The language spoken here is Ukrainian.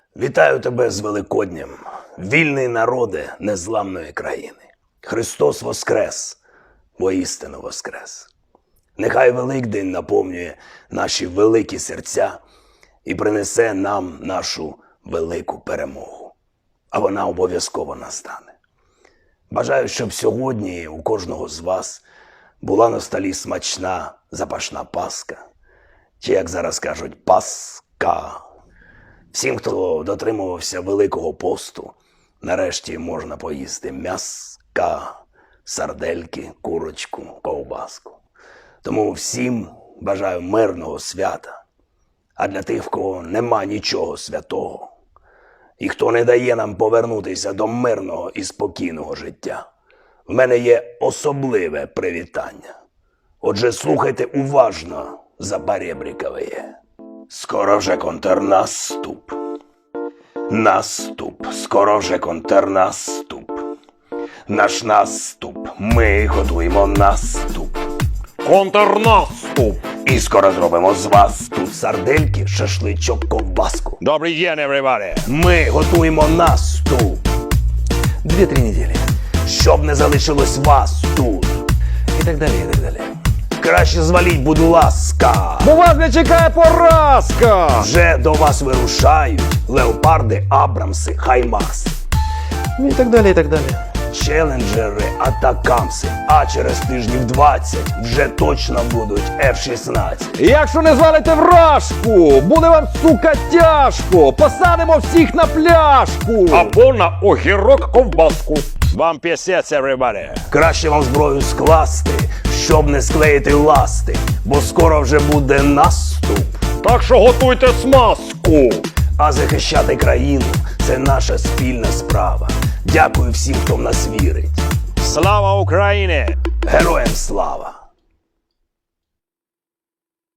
Вітаю тебе з Великоднем, вільний народе незламної країни. Христос воскрес, воістину воскрес. Нехай Великдень наповнює наші великі серця і принесе нам нашу велику перемогу. А вона обов'язково настане. Бажаю, щоб сьогодні у кожного з вас була на столі смачна запашна паска, чи, як зараз кажуть, паска. Всім, хто дотримувався Великого посту, нарешті можна поїсти м'яска, сардельки, курочку, ковбаску. Тому всім бажаю мирного свята. А для тих, в кого нема нічого святого, і хто не дає нам повернутися до мирного і спокійного життя, в мене є особливе привітання. Отже, слухайте уважно запорєбрікове. Скоро вже контрнаступ. Наступ, скоро вже контрнаступ. Наш наступ, ми готуємо наступ. Контрнаступ! І скоро зробимо з вас тут сардельки, шашличок, ковбаску. Добрий день, everybody! Ми готуємо наступ. 2-3 неділі. Щоб не залишилось вас тут. І так далі, і так далі. Краще зваліть, будь ласка. Бо вас не чекає поразка! Вже до вас вирушають леопарди, абрамси, хаймарси. Ну і так далі, і так далі. Челенджери, атакамси. А через тижнів 20 вже точно будуть F-16. Якщо не звалите вражку, буде вам, сука, тяжко! Посадимо всіх на пляшку! Або на огірок ковбаску. Вам пісець, everybody! Краще вам зброю скласти, щоб не склеїти ласти, бо скоро вже буде наступ. Так що готуйте смазку! А захищати країну – це наша спільна справа. Дякую всім, хто в нас вірить. Слава Україні! Героям слава!